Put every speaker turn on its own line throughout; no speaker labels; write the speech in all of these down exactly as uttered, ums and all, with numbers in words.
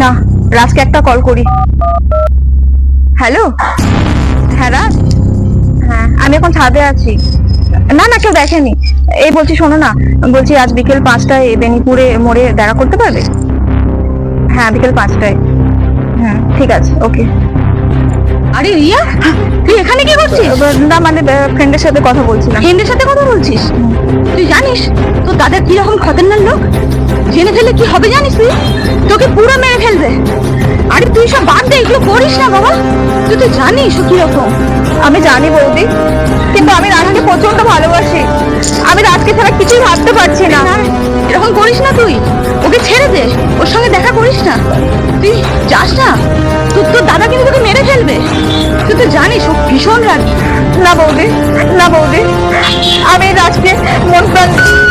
না, রাজকে একটা কল করি। হ্যালো, হ্যাঁ রাজ, হ্যাঁ আমি এখন ছাদে আছি। না না, কেউ দেখেনি। এই বলছি শোনো না, বলছি আজ বিকেল পাঁচটায় বেনিপুরে মোড়ে দেখা করতে পারবে? হ্যাঁ বিকেল পাঁচটায়। হ্যাঁ ঠিক আছে, ওকে।
আরে রিয়া, তুই এখানে কি করছিস?
না মানে ফ্রেন্ডের সাথে কথা বলছিলাম।
ফ্রেন্ডের সাথে কথা বলছিস? তুই জানিস তোর দাদা কি রকম খতরনাক লোক? জেনে ফেললে কি হবে জানিস তুই? তোকে পুরো মেরে ফেলবে। আরে তুই সব বাদ দে, এগুলো করিস না বাবা। তুই তো জানিস ও কি রকম।
আমি জানি বৌদি, কিন্তু আমি রাজকে প্রচন্ড ভালোবাসি। আমি রাজকে ছাড়া কিছুই ভাবতে পারছি না।
এরকম করিস না তুই, ওকে ছেড়ে দে, ওর সঙ্গে দেখা করিস না। তুই যাস না, তোর তোর দাদা কিন্তু তোকে মেরে ফেলবে। তুই তো জানিস ও ভীষণ রাগী।
না বৌদি, না বৌদি, আমি রাজকে মন প্রাণ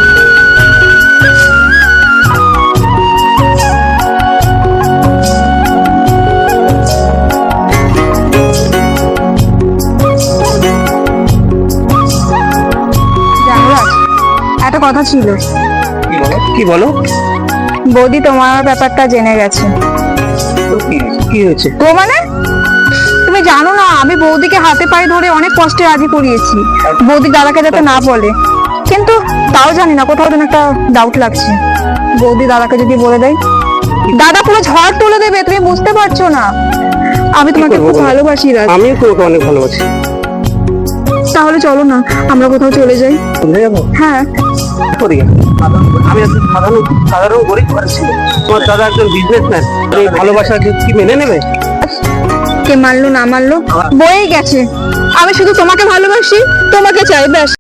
জানো রাজ, একটা কথা ছিল।
কি বলো কি বলো
বৌদি তোমার ব্যাপারটা জেনে গেছে।
তো কি হয়েছে? কি হয়েছে?
তো মানে তুমি জানো না, আমি বৌদিকে হাতে পায়ে ধরে অনেক কষ্টে রাজি করিয়েছি বৌদি দাদাকে যাতে না বলে, কিন্তু তাও জানি না, কোথাও যেন একটা ডাউট লাগছে। বৌদি দাদাকে যদি বলে দেয়, দাদা পুরো ঝড় তুলে দেবে, তুমি বুঝতে পারছো না। আমি তোমাকে
করবো
খুব
বলো?
ভালোবাসি রাজ।
আমিও তোমাকে অনেক ভালোবাসি।
তাহলে চলো না আমরা কোথাও চলে যাই।
বুঝে যাবো
হ্যাঁ
করি। আমি একজন সাধারণ সাধারণ গরিব ঘরের ছেলে, তোমার দাদা একজন বিজনেসম্যান। এই ভালোবাসা কি মেনে নেবে?
কে মানলো না মানলো বয়ে গেছে, আমি শুধু তোমাকে ভালোবাসি, তোমাকে চাই, ব্যাস।